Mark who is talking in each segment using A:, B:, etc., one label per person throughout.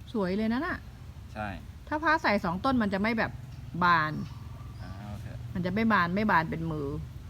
A: สวยเลยนะน่ะ
B: ใช่
A: ถ้าพระใส่2 ต้นมันจะไม่แบบบานมันจะไม่บานเป็นมือ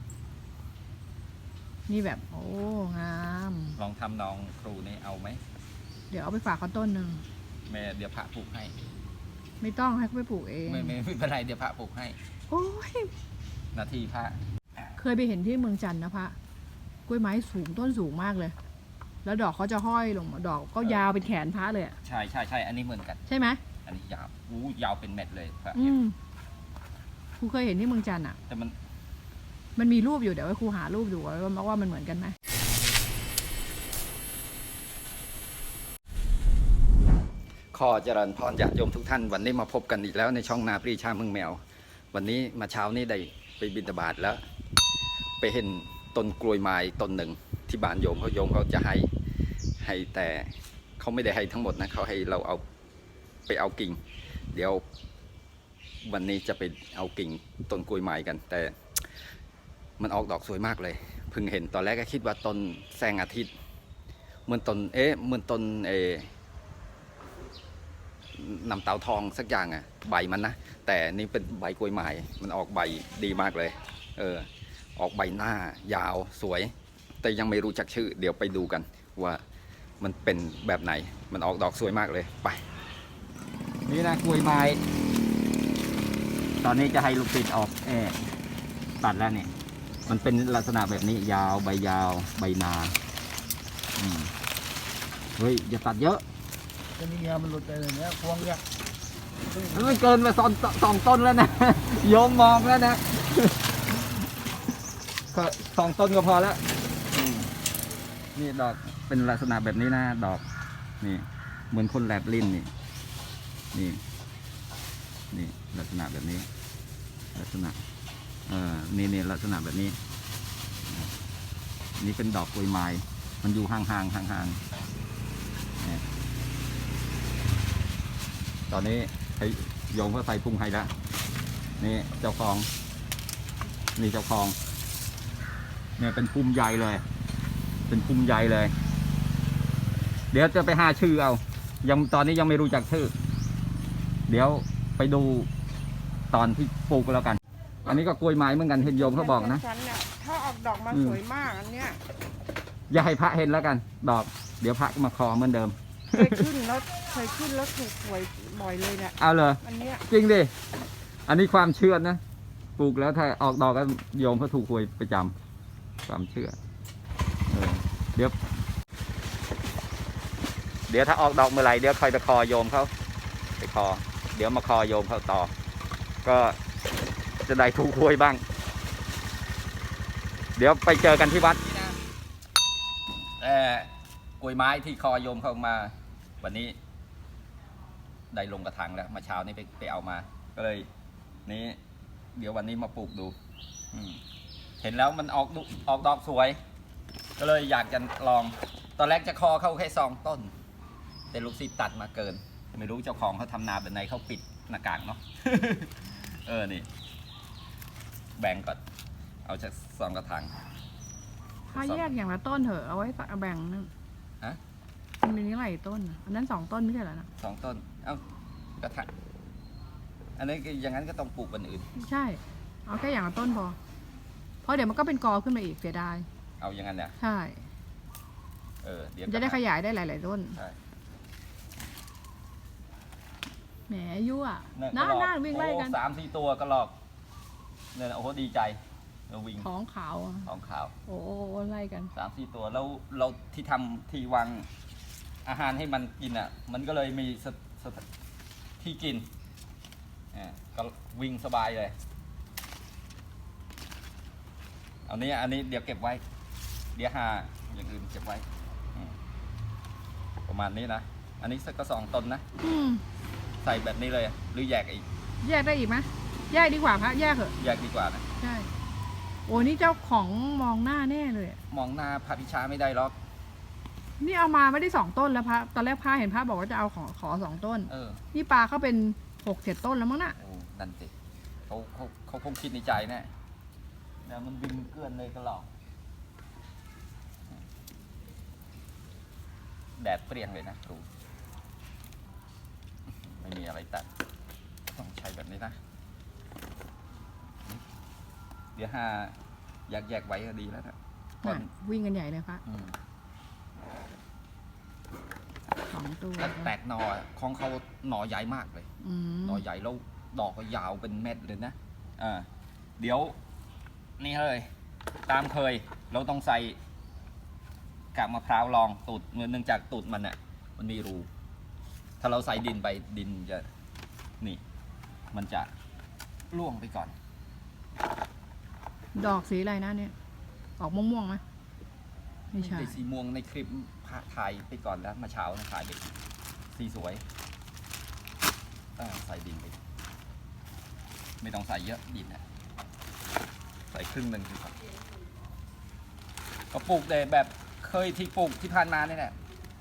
A: นี่แบบโอ้งาม
B: ลองทำน้องครูนี่เอาไหม
A: เดี๋ยวเอาไปฝากเขาต้นหนึ่ง
B: แม่เดี๋ยวพระปลูกให้
A: ไม่ต้องให้เขาไปปลูกเอง
B: ไม่เป็นไรเดี๋ยวพระปลูกให้
A: โอ้ย
B: นาทีพระ
A: เคยไปเห็นที่เมืองจันทร์นะพระกล้วยไม้สูงต้นสูงมากเลยแล้วดอกเขาจะห้อยลงมาดอกก็ยาวเป็นแขนพระเลย
B: ใช่อันนี้เหมือนกัน
A: ใช่ไหม
B: อันนี้ยาว ยาวเป็นเม็ดเลยพระ
A: ครูเคยเห็นที่เมืองจันทร์อ่ะ
B: แต่
A: มันมีรูปอยู่เดี๋ยวครูหารูปดูว่ามันเหมือนกันไหม
B: ขอเจริญพรญาติโยมทุกท่านวันนี้มาพบกันอีกแล้วในช่องนาปรีชาเมืองแมววันนี้มาเช้านี้ได้ไปบิณฑบาตแล้วไปเห็นต้นกล้วยไม้ต้นหนึ่งที่บ้านโยมเขาจะให้แต่เขาไม่ได้ให้ทั้งหมดนะเขาให้เราเอาไปเอากิ่งเดี๋ยววันนี้จะไปเอากิ่งต้นกล้วยไม้กันแต่มันออกดอกสวยมากเลยเพิ่งเห็นตอนแรกก็คิดว่าต้นแสงอาทิตย์เหมือนต้นน้ำเต่าทองสักอย่างอ่ะใบมันนะแต่นี่เป็นใบกล้วยไม้มันออกใบดีมากเลยออกใบหน้ายาวสวยแต่ยังไม่รู้จักชื่อเดี๋ยวไปดูกันว่ามันเป็นแบบไหนมันออกดอกสวยมากเลยไปนี่นะกล้วยไม้ตอนนี้จะให้ลูกศิษย์ออกตัดแล้วเนี่ยมันเป็นลักษณะแบบนี้ยาวใบยาวใบนาเฮ้ยอย่าตัดเยอะ
C: ก็นี่มันหลุดไปเลยเนี่ยพวงเนี่ย
B: มันเกินมาสองต้นแล้วนะโยมมองแล้วนะก็2 ต้นก็พอแล้วนี่ดอกเป็นลักษณะแบบนี้นะดอกนี่เหมือนคนแลบลิ้นนี่ลักษณะแบบนี้ลักษณะนี่ลักษณะแบบนี้นี่เป็นดอกกล้วยไม้มันอยู่ห่างตอนนี้ให้โยมเขาใส่พุงให้แล้วนี่เจ้าของเนี่ยเป็นพุ่มใหญ่เลยเดี๋ยวจะไปหาชื่อเอาตอนนี้ยังไม่รู้จักชื่อเดี๋ยวไปดูตอนที่ปลูกแล้วกันอันนี้ก็กล้วยไม้เหมือนกันเห็นโยมเขาบอกนะ
A: ถ้าออกดอกมาสวยมากอันเนี้ย
B: อย่าให้พระเห็นแล้วกันดอกเดี๋ยวพระมาคอเหมือนเดิม
A: เคยขึ้นแล้วถูกหวยบ่อยเลยเนี่ย
B: เอาเลย
A: อันเนี้ย
B: จริงดิอันนี้ความเชื่อนะปลูกแล้วถ้าออกดอกก็โยมเขาถูกหวยประจำความเชื่อเดี๋ยวถ้าออกดอกเมื่อไหร่เดี๋ยวคอยไปคอโยมเขาไปคอเดี๋ยวมาคอโยมเขาต่อก็จะได้ถูกหวยบ้างเดี๋ยวไปเจอกันที่วัดกล้วยไม้ที่คอโยมเข้ามาวันนี้ได้ลงกระถางแล้วมาเช้านี้ไปเอามาก็เลยนี้เดี๋ยววันนี้มาปลูกดูเห็นแล้วมันออกดอกสวยก็เลยอยากจะลองตอนแรกจะคอเข้าแค่2 ต้นแต่ลูกศิษย์ตัดมาเกินไม่รู้เจ้าของเขาทำนาแบบไหนเขาปิดหน้ากากเนาะ นี่แบ่งก่อนเอาจาก2 กระถาง
A: ถ้าแยกอย่างละต้นเถอะเอาไว้แบ่งนึงมันมีหลายต้นอันนั้น2 ต้นไม่ใช่เหรอนะ
B: 2 ต้นเอากระถางอันนี้อย่างนั้นก็ต้องปลูกวันอื่น
A: ใช่เอาแค่อย่างละต้นพอเพราะเดี๋ยวมันก็เป็นกอขึ้นมาอีกเสียดาย
B: เอาอย่างนั้นเนี่ย
A: ใช่
B: เดี๋ยว
A: จะได้ขยายได้หลายๆต้นแหมยั่วน่าวิ่งไล่กัน
B: 3-4 ตัวก็หลอกเนี่ยโอ้โหดีใจเราวิ่ง
A: ท้องขาวโอ้ไล่กัน
B: 3-4 ตัวแล้วเราที่ทำที่วางอาหารให้มันกินอ่ะมันก็เลยมีที่กินก็วิ่งสบายเลยอันนี้เดี๋ยวเก็บไว้เดี๋ยวหาอย่างอื่นเก็บไว้ประมาณนี้นะอันนี้สักก็2 ต้นนะใส่แบบนี้เลยหรือแยกอีก
A: แยกได้อีกไหมแยกดีกว่าพระแยกเหอะ
B: แยกดีกว่านะ
A: ใช่โอ้นี่เจ้าของมองหน้าแน่เลย
B: มองหน้าพระพิชาไม่ได้หรอก
A: นี่เอามาไม่ได้2 ต้นแล้วพระตอนแรกพระเห็นพระบอกว่าจะเอาขอ2 ต้นนี่ปลาเขาเป็น6-7 ต้นแล้วมั้งน่ะ
B: นั่นสิเขาคงคิดในใจแน่เนี่ยมันบินเกลื่อนเลยก็หลอกแดดเปรี้ยงเลยนะครูไม่มีอะไรตัดต้องใช้แบบนี้นะเดี๋ยวห้าแยกไว้ก็ดีแล้วนะก่อน
A: วิ่งกันใหญ่เลยพระ
B: อืม
A: 2 ตัว
B: แล้วแตกหน่อของเขาหน่อใหญ่มากเลย
A: อืม
B: หน่อใหญ่แล้วดอกก็ยาวเป็นเม็ดเลยนะเดี๋ยวนี่เลยตามเคยเราต้องใส่กากมะพร้าวรองตูดเนื่องจากตูดมันอ่ะมันมีรูถ้าเราใส่ดินไปดินจะนี่มันจะร่วงไปก่อน
A: ดอกสีอะไรนะเนี่ย ออกม่วงๆไหมไม่ใช่
B: ได้สีม่วงในคลิปถ่ายไปก่อนแล้วมาเช้านะถ่ายไปสีสวยใส่ดินไปไม่ต้องใส่เยอะดินนะใส่ครึ่งหนึ่งดีกว่าก็ปลูกแต่แบบเคยที่ปลูกที่ผ่านมานี่แหละ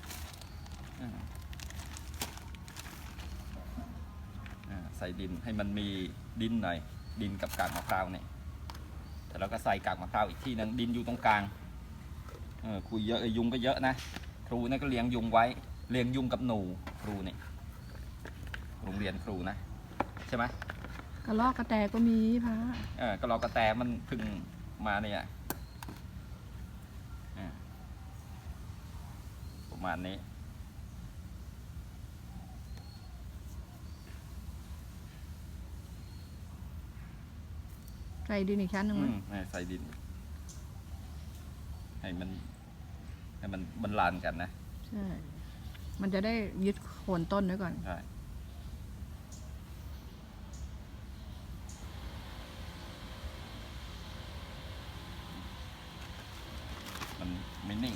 B: ใส่ดินให้มันมีดินหน่อยดินกับกากมะพร้าวเนี่ยแต่เราก็ใส่กากมะพร้าวอีกที่นึงดินอยู่ตรงกลางคุยเยอะยุงก็เยอะนะครูนี่ก็เลี้ยงยุงไว้เลี้ยงยุงกับหนูครูนี่โรงเรียนครูนะใช่ไหม
A: กระรอกกระแตก็มีพระ
B: ก็รอกระแตมันเพึ่งมาเนี่ยประมาณนี้
A: ใส่ดินอีกชั้นหนึ่งไหม
B: ใส่ดินให้มันบรรลานกันนะ
A: ใช่ มันจะได้ยึดโคนต้นไว้ก่อน
B: ใช่มันไม่นิ่ง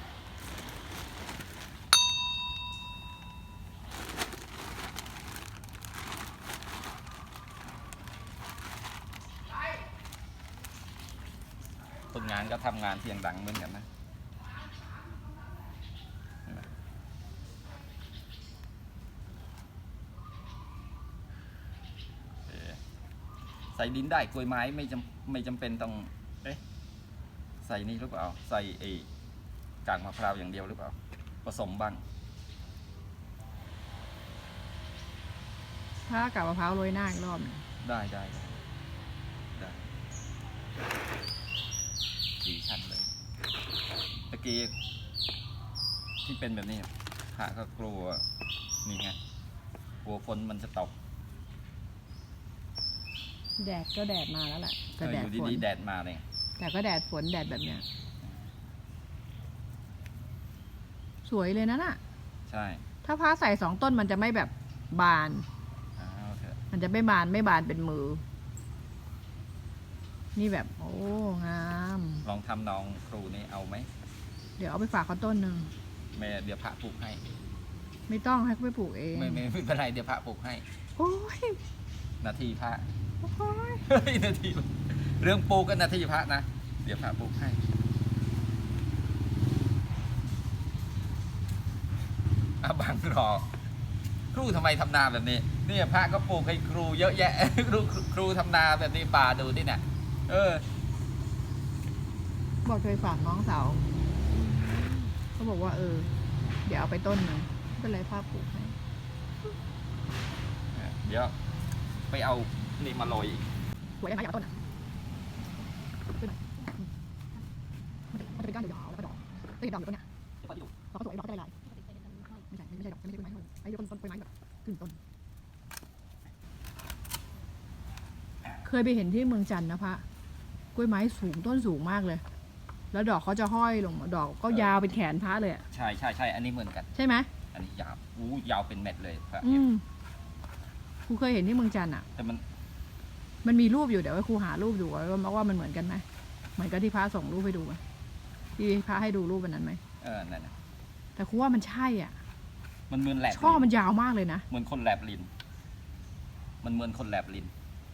B: คนงานก็ทำงานเสียงดังเหมือนกันนะใส่ดินได้กล้วยไม้ไม่จำเป็นต้องใส่นี่หรือเปล่าใส่กากมะพร้าวอย่างเดียวหรือเปล่าผสมบ้าง
A: ถ้ากับมะพร้าวโรยหน้าอีกรอบหนึ่ง
B: ได้สี่ชั้นเลยตะกี้ที่เป็นแบบนี้พระก็กลัวนี่ไงกลัวฝนมันจะตก
A: แดดก็แดดมาแล้วแหละแต่แด
B: อ
A: ด
B: ยู่
A: ฝน
B: ดีๆแดดมาเลย
A: แต่ก็แดดฝนแดดแบบเนี้ย สวยเลยนะน่ะ
B: ใช่
A: ถ้าพระใส่2 ต้นมันจะไม่แบบบาน
B: เอาเถอะ
A: มันจะไม่บานเป็นมือ นี่แบบ โอ้งาม
B: ลองทำน้องครูนี่เอาไหม
A: เดี๋ยวเอาไปฝากเขาต้นหนึ่ง
B: แม่เดี๋ยวพระปลูกให้
A: ไม่ต้องให้เขาไปปลูกเอง
B: ไม่เป็นไรเดี๋ยวพระปลูกให้
A: โอ้ย
B: นาทีพระ
A: โอ้ย
B: เฮ้ยนาทีเรื่องปลูกก็นาทีพระนะเดี๋ยวพระปลูกให้บังรอครูทำไมทำนาแบบนี้เนี่ยพระก็ปลูกให้ครูเยอะแยะ ครูทำนาแบบนี้ป่าดูนี่เนี่ย
A: บอกเคยฝากน้องสาวเขาบอกว่าเดี๋ยวเอาไปต้นหนึ่งไม่เป็นไรภาพปลูกให้
B: เดี๋ยวไปเอานี่มาโรยอีก
A: สวยได้ไหมอยากเอาต้นอ่ะขึ้นหน่อยมันจะเป็นก้านยาวๆแล้วก็ดอกจะเห็นดอกอยู่ต้นเนี้ยดอกก็สวยดอกก็ลายๆไม่ใช่ดอกไม่ใช่ต้นไม้ไอ้ต้นไม้แบบขึ้นต้นเคยไปเห็นที่เมืองจันทร์นะพระกล้วยไม้สูงต้นสูงมากเลย แล้วดอกเขาจะห้อยลงดอกก็ยาวเป็นแขนพระเลยอ่ะ
B: ใช่อันนี้เหมือนกัน
A: ใช่ไหม
B: อันนี้ยาว ยาวเป็นเม็ดเลยครับ
A: ครูเคยเห็นที่เมืองจันทร์อ่ะ
B: แต่
A: มันมีรูปอยู่เดี๋ยวให้ครูหารูปดูว่ามันเหมือนกันไหมเหมือนกับที่พระส่งรูปให้ดูไหมที่พระให้ดูรูปวันนั้นไหม
B: นั่นนะ
A: แต่ครูว่ามันใช่อ่ะ
B: มันเหมือนแลบ
A: ช่อมันยาวมากเลยนะ
B: เหมือนคนแลบลิ้นมันเหมือนคนแลบลิ้น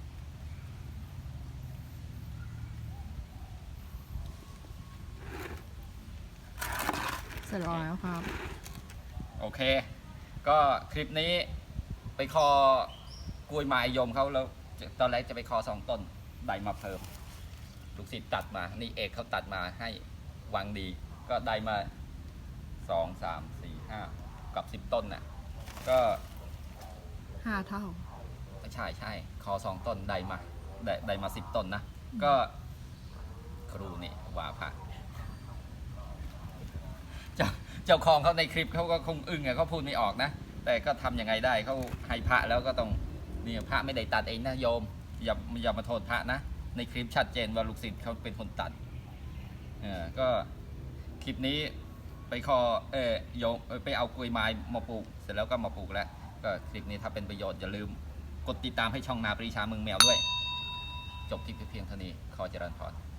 A: เสร็จแล้วครับ
B: โอเค ก็คลิปนี้ไปคอกล้วยไม้ยมเขาแล้วตอนแรกจะไปคอ2 ต้นได้มาเพิ่มลูกศิษย์ตัดมานี่เอกเขาตัดมาให้วางดีก็ได้มา2, 3, 4, 5กับ10 ต้นน่ะก็
A: 5 เท่า
B: ใช่ใช่คอ2 ต้นได้มา10 ต้นนะก็ครูนี่ว่าพระเจ้าของเขาในคลิปเขาก็คงอึ้งอะเขาพูดไม่ออกนะแต่ก็ทำยังไงได้เขาให้พระแล้วก็ต้องนี่พระไม่ได้ตัดเองนะโยมอย่ามาโทษพระนะในคลิปชัดเจนว่าลูกศิษย์เขาเป็นคนตัดก็คลิปนี้ไปโยมไปเอากล้วยไม้มาปลูกเสร็จแล้วก็มาปลูกแล้วก็คลิปนี้ถ้าเป็นประโยชน์อย่าลืมกดติดตามให้ช่องนาปรีชาเมืองแมวด้วยจบคลิปเพียงเท่านี้ขอเจริญพร